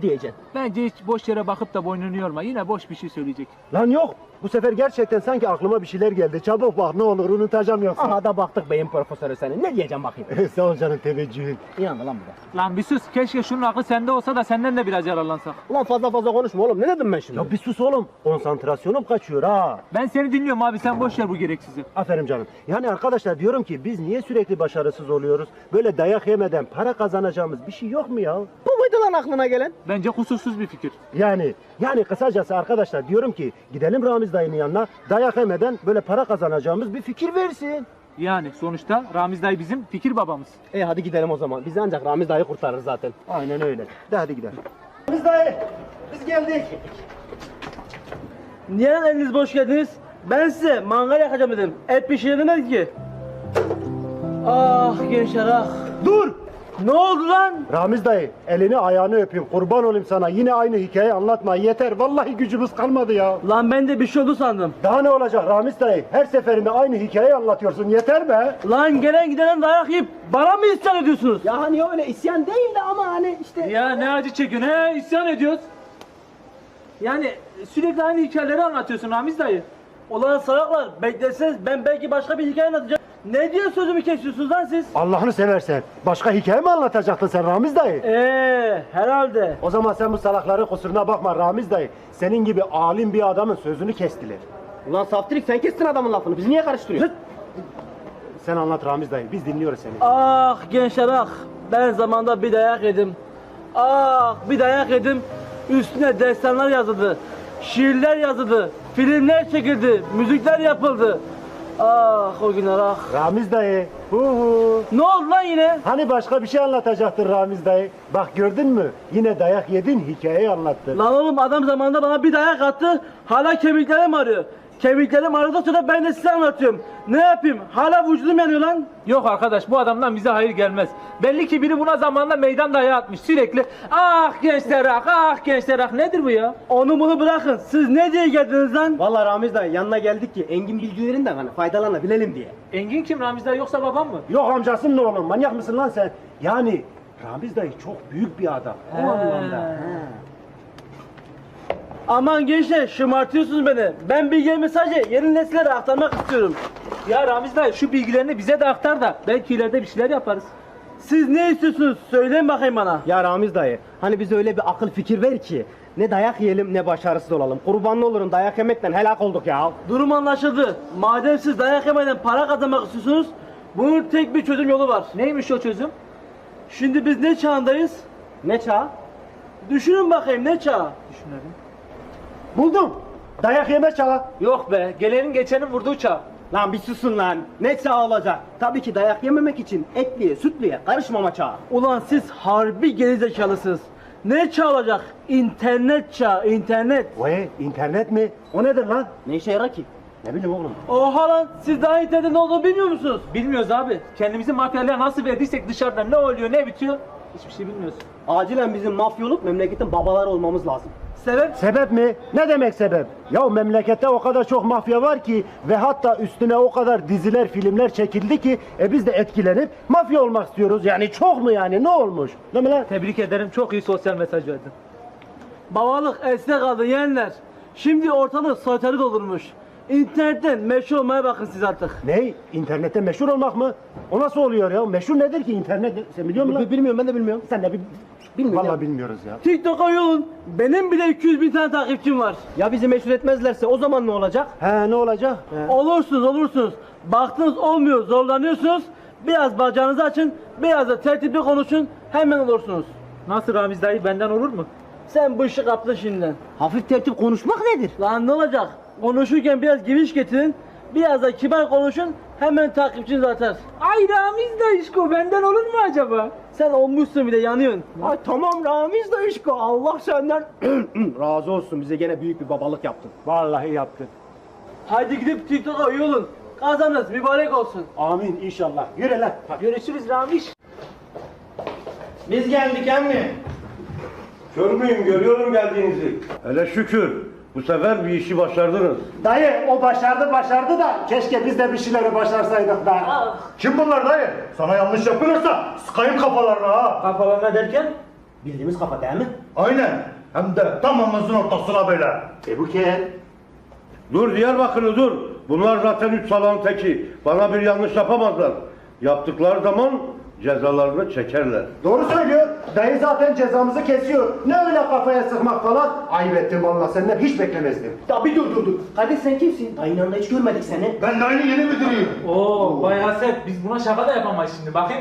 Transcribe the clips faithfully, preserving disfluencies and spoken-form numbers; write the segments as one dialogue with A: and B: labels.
A: diyeceksin.
B: Bence hiç boş yere bakıp da boynunu yorma. Yine boş bir şey söyleyecek.
C: Lan yok. Bu sefer gerçekten sanki aklıma bir şeyler geldi. Çabuk bak ne olur unutacağım yoksa.
A: Aha da baktık beyin profesörü senin. Ne diyeceğim bakayım.
C: Sağ ol canım teveccühün.
A: İnandı lan bu da.
B: Lan bir sus. Keşke şunun aklı sende olsa da senden de biraz yararlansak.
A: Ulan fazla fazla konuşma oğlum. Ne dedim ben şimdi?
C: Ya bir sus oğlum. Konsantrasyonum kaçıyor ha.
B: Ben seni dinliyorum abi. Sen boş ver bu gereksizi.
C: Aferin canım. Yani arkadaşlar diyorum ki biz niye sürekli başarısız oluyoruz? Böyle dayak yemeden para kazanacağımız bir şey yok mu ya?
A: Bu muydu lan aklına gelen?
B: Bence kusursuz bir fikir.
C: Yani yani kısacası arkadaşlar diyorum ki gidelim Ramiz dayının yanına dayak yemeden böyle para kazanacağımız bir fikir versin.
B: Yani sonuçta Ramiz dayı bizim fikir babamız.
A: E hadi gidelim o zaman. Bizi ancak Ramiz dayı kurtarır zaten.
C: Aynen öyle. De hadi gidelim. Ramiz dayı biz geldik.
D: Niye lan eliniz boş geldiniz? Ben size mangal yakacağım dedim. Et pişiremedik ki. Ah gençler ah.
C: Dur!
D: Ne oldu lan?
C: Ramiz dayı elini ayağını öpeyim kurban olayım sana yine aynı hikaye anlatma yeter vallahi gücümüz kalmadı ya.
D: Lan ben de bir şey oldu sandım.
C: Daha ne olacak Ramiz dayı her seferinde aynı hikayeyi anlatıyorsun yeter be.
D: Lan gelen gidenen dayak yiyip bana mı isyan ediyorsunuz?
A: Ya hani öyle isyan değil de ama hani işte...
B: Ya ne acı çekiyorsun he? İsyan ediyoruz. Yani sürekli aynı hikayeleri anlatıyorsun Ramiz dayı.
D: Ulan salaklar bekleseniz ben belki başka bir hikaye anlatacağım. Ne diye sözümü kesiyorsunuz lan siz?
C: Allah'ını seversen başka hikaye mi anlatacaktın sen Ramiz dayı?
D: Eee herhalde.
C: O zaman sen bu salakların kusuruna bakma Ramiz dayı. Senin gibi alim bir adamın sözünü kestiler.
A: Ulan saftirik sen kestin adamın lafını. Bizi niye karıştırıyorsun?
C: Sen anlat Ramiz dayı biz dinliyoruz seni.
D: Ah gençler ah. Ben zamanda bir dayak yedim. Ah bir dayak yedim. Üstüne destanlar yazıldı. Şiirler yazıldı. Filmler çekildi. Müzikler yapıldı. Ah o günler ah.
C: Ramiz dayı. Hu hu.
D: Ne oldu lan yine?
C: Hani başka bir şey anlatacaktın Ramiz dayı. Bak gördün mü? Yine dayak yedin hikayeyi anlattın.
D: Lan oğlum adam zamanında bana bir dayak attı. Hala kemiklerim ağrıyor. Kemiklerim ağrıdıktan sonra ben de size anlatıyorum. Ne yapayım? Hala vücudum yanıyor lan.
B: Yok arkadaş bu adamdan bize hayır gelmez. Belli ki biri buna zamanında meydan dayağı atmış sürekli. Ah gençler ah ah gençler ah nedir bu ya?
D: Onu bunu bırakın. Siz ne diye geldiniz lan?
A: Vallahi Ramiz dayı yanına geldik ki Engin bilgilerinden hani faydalanabilelim diye.
B: Engin kim Ramiz dayı yoksa babam mı?
C: Yok amcasın ne oğlum manyak mısın lan sen? Yani Ramiz dayı çok büyük bir adam. O anlamda.
D: Aman gençler şımartıyorsunuz beni. Ben bilgilerimi sadece yeni nesillere aktarmak istiyorum.
B: Ya Ramiz dayı şu bilgilerini bize de aktar da belki ileride bir şeyler yaparız.
D: Siz ne istiyorsunuz? Söyleyin bakayım bana.
A: Ya Ramiz dayı hani bize öyle bir akıl fikir ver ki ne dayak yiyelim ne başarısız olalım. Kurbanlı olurum dayak yemekten helak olduk ya.
D: Durum anlaşıldı. Madem siz dayak yemeden para kazanmak istiyorsunuz, bunun tek bir çözüm yolu var.
B: Neymiş o çözüm?
D: Şimdi biz ne çağındayız?
A: Ne çağ?
D: Düşünün bakayım ne çağı?
B: Düşünelim.
C: Buldum. Dayak yeme çağı.
B: Yok be gelenin geçenin vurduğu çağ.
A: Lan bir susun lan. Ne çağ olacak? Tabii ki dayak yememek için etliye sütlüye karışmama çağı.
D: Ulan siz harbi gerizekalısınız. Ne çağ olacak? İnternet çağı, internet.
C: Vay internet mi? O nedir lan?
A: Ne işe yarar ki?
C: Ne bileyim oğlum.
D: Oha lan siz daha internetin ne olduğunu bilmiyor musunuz?
B: Bilmiyoruz abi. Kendimizi mafyalara nasıl verdiysek dışarıda ne oluyor ne bitiyor hiçbir şey bilmiyoruz.
A: Acilen bizim mafya olup memleketin babaları olmamız lazım.
D: Sebep?
C: Sebep mi? Ne demek sebep? Ya memlekette o kadar çok mafya var ki ve hatta üstüne o kadar diziler, filmler çekildi ki e biz de etkilenip mafya olmak istiyoruz. Yani çok mu yani? Ne olmuş? Değil mi lan?
B: Tebrik ederim çok iyi sosyal mesaj verdin.
D: Babalık esne kaldı yeğenler. Şimdi ortalık soytarı doldurmuş. İnternetten meşhur olmaya bakın siz artık.
C: Ne? İnternette meşhur olmak mı? O nasıl oluyor ya? Meşhur nedir ki internet? Sen biliyor musun lan?
A: Bilmiyorum ben de bilmiyorum.
C: Sen de bir...
A: Bilmiyorum.
C: Vallahi bilmiyoruz ya.
D: TikTok'a yolun. Benim bile iki yüz bin tane takipçim var.
A: Ya bizi meşhur etmezlerse o zaman ne olacak?
C: He ne olacak? He.
D: Olursunuz olursunuz. Baktınız olmuyor zorlanıyorsunuz. Biraz bacağınızı açın. Biraz da tertipli konuşun. Hemen olursunuz.
B: Nasıl Ramiz dayı benden olur mu?
D: Sen bu işi kaptın şimdiden.
A: Hafif tertip konuşmak nedir?
D: Lan ne olacak? Konuşurken biraz giriş getirin. Biraz da kibar konuşun. Hemen takipçiniz artar.
B: Ay Ramiz dayışko benden olur mu acaba?
D: Sen olmuşsun bile yanıyorsun.
A: Ay tamam Ramiz dayışko Allah senden razı olsun bize gene büyük bir babalık yaptın.
C: Vallahi yaptın.
D: Haydi gidip TikTok'a üye olun. Kazanırız mübarek olsun.
C: Amin inşallah. Yürü lan.
B: Görüşürüz Ramiz.
A: Biz geldik emmi.
E: Kör müyüm? Görüyorum geldiğinizi. Hele şükür. Bu sefer bir işi başardınız.
C: Dayı o başardı başardı da keşke biz de bir şeyleri başarsaydık da. Kim bunlar dayı? Sana yanlış yapılırsa sıkayım kafalarına ha.
B: Kafalarına derken?
A: Bildiğimiz kafa değil mi?
F: Aynen. Hem de tam omuzun ortasına böyle.
C: E bu kel.
E: Dur Diyarbakırlı dur. Bunlar zaten üç salağın teki. Bana bir yanlış yapamazlar. Yaptıkları zaman cezalarını çekerler.
C: Doğru söylüyor. Dayı zaten cezamızı kesiyor. Ne öyle kafaya sıkmak falan. Ayıp ettim valla, senden hiç beklemezdim.
A: Ya bir dur dur dur. Kardeş sen kimsin? Dayının yanında hiç görmedik seni.
F: Ben de aynı yeni müdürüyüm.
B: Oo bayağı sert. Biz buna şaka da yapamayız şimdi. Bakayım.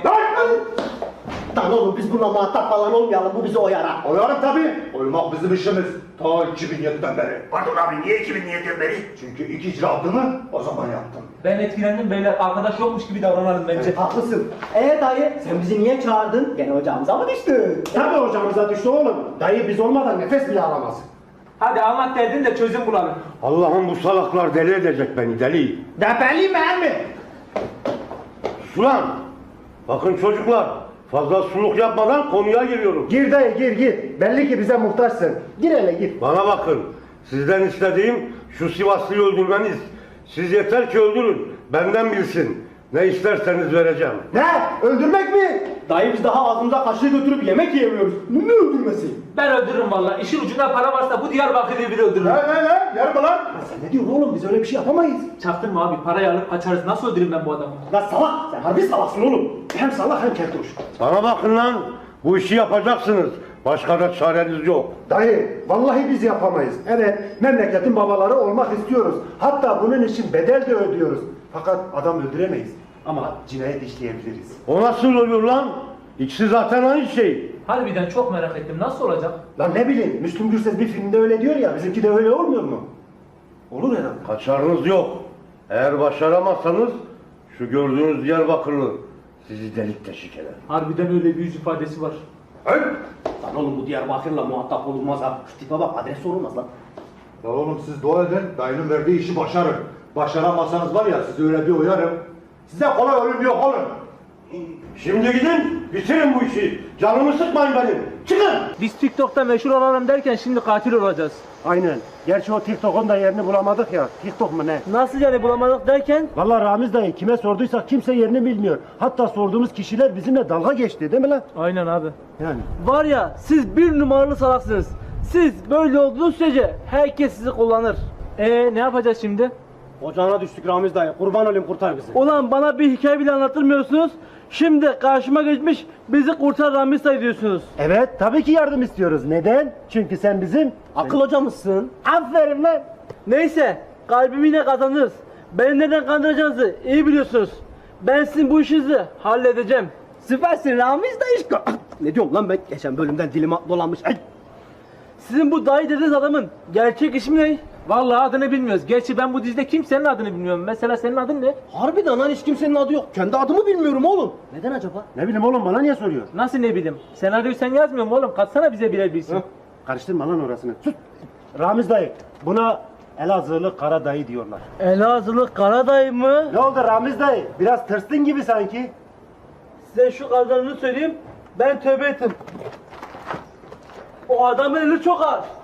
A: Lan oğlum biz bununla muhatap falan olmayalım. Bu bizi oyara.
F: Oyarım tabii. Oymak bizim işimiz. Ta iki bin yediden beri. Pardon abi niye iki bin yediden beri? Çünkü ilk icraatımı o zaman yaptım.
B: Ben etkilendim beyler. Arkadaş yokmuş gibi davranalım bence.
A: Haklısın. Ee dayı sen bizi niye çağırdın? Gene ocağımıza mı düştün?
C: Tabii hocamıza düştü oğlum. Dayı biz olmadan nefes bile alamaz.
B: Hadi anlat derdin de çözüm bulalım.
E: Allah'ım bu salaklar deli edecek beni deli.
C: Depeli mi emmi?
E: Ulan! Bakın çocuklar, fazla suluk yapmadan konuya giriyorum.
C: Gir dayı gir gir. Belli ki bize muhtaçsın. Gir hele gir.
E: Bana bakın, sizden istediğim şu Sivaslı'yı öldürmeniz. Siz yeter ki öldürün, benden bilsin. Ne isterseniz vereceğim.
C: Ne? Öldürmek mi?
A: Dayı biz daha ağzımıza kaşığı götürüp yemek yiyemiyoruz. Bu ne öldürmesi?
B: Ben öldürürüm valla. İşin ucunda para varsa bu Diyarbakır'ı biri öldürürüm.
F: Ne ne ne? Yarım lan.
C: Sen ne diyorsun oğlum? Biz öyle bir şey yapamayız.
B: Çaktırma abi. Parayı alıp kaçarız. Nasıl öldüreyim ben bu adamı?
C: Lan salak! Sen harbi salaksın oğlum. Hem salak hem keltoş.
E: Bana bakın lan, bu işi yapacaksınız. Başka da çareniz yok.
C: Dayı, vallahi biz yapamayız. Evet, memleketin babaları olmak istiyoruz. Hatta bunun için bedel de ödüyoruz. Fakat adam öldüremeyiz. Ama cinayet işleyebiliriz.
E: O nasıl oluyor lan? İkisi zaten aynı şey.
B: Harbiden çok merak ettim. Nasıl olacak?
C: Lan ne bileyim, Müslüm Gürses bir filmde öyle diyor ya, bizimki de öyle olmuyor mu? Olur herhalde.
E: Kaçarınız yok. Eğer başaramazsanız şu gördüğünüz Diyarbakırlı sizi delik deşik eder.
B: Harbiden öyle bir yüz ifadesi var.
F: Hey.
A: Lan oğlum bu Diyarbakır'la muhatap olunmaz ha. Şu tipe bak adres sorulmaz lan.
F: Ya oğlum siz dua edin. Dayının verdiği işi başarın. Başaramazsanız var ya sizi öyle bir uyarım. Size kolay ölüm yok oğlum.
E: Şimdi gidin, bitirin bu işi. Canımı sıkmayın benim. Çıkın!
B: Biz TikTok'ta meşhur olalım derken şimdi katil olacağız.
C: Aynen. Gerçi o TikTok'un da yerini bulamadık ya. TikTok mu ne?
D: Nasıl yani bulamadık derken?
C: Vallahi Ramiz dayı kime sorduysak kimse yerini bilmiyor. Hatta sorduğumuz kişiler bizimle dalga geçti değil mi lan?
B: Aynen abi.
C: Yani.
D: Var ya siz bir numaralı salaksınız. Siz böyle olduğunuz sürece herkes sizi kullanır.
B: Ee ne yapacağız şimdi?
A: Ocağına düştük Ramiz dayı. Kurban olayım kurtar bizi.
D: Ulan bana bir hikaye bile anlatırmıyorsunuz. Şimdi karşıma geçmiş bizi kurtar Ramiz dayı diyorsunuz.
C: Evet, tabii ki yardım istiyoruz. Neden? Çünkü sen bizim...
A: Akıl hocamızsın.
C: Aferin lan!
D: Neyse kalbimi yine kazandınız. Beni neden kandıracağınızı iyi biliyorsunuz. Ben sizin bu işinizi halledeceğim.
A: Süpersin Ramiz dayı. Ne diyorum lan ben? Geçen bölümden dilim dolanmış. Ay.
D: Sizin bu dayı dediğiniz adamın gerçek ismi ne?
B: Vallahi adını bilmiyoruz. Gerçi ben bu dizide kimsenin adını bilmiyorum. Mesela senin adın ne?
A: Harbiden lan hiç kimsenin adı yok. Kendi adımı bilmiyorum oğlum. Neden acaba?
C: Ne bileyim oğlum, bana niye soruyor?
B: Nasıl ne bileyim? Senaryoyu sen yazmıyor musun oğlum? Katsana bize birer bilsin.
C: Karıştırma lan orasını. Sus! Ramiz dayı, buna Elazığlı Kara dayı diyorlar.
D: Elazığlı Kara dayı mı?
C: Ne oldu Ramiz dayı? Biraz tırstın gibi sanki.
D: Size şu kadarını söyleyeyim. Ben tövbe ettim. O adamın eli çok ağır.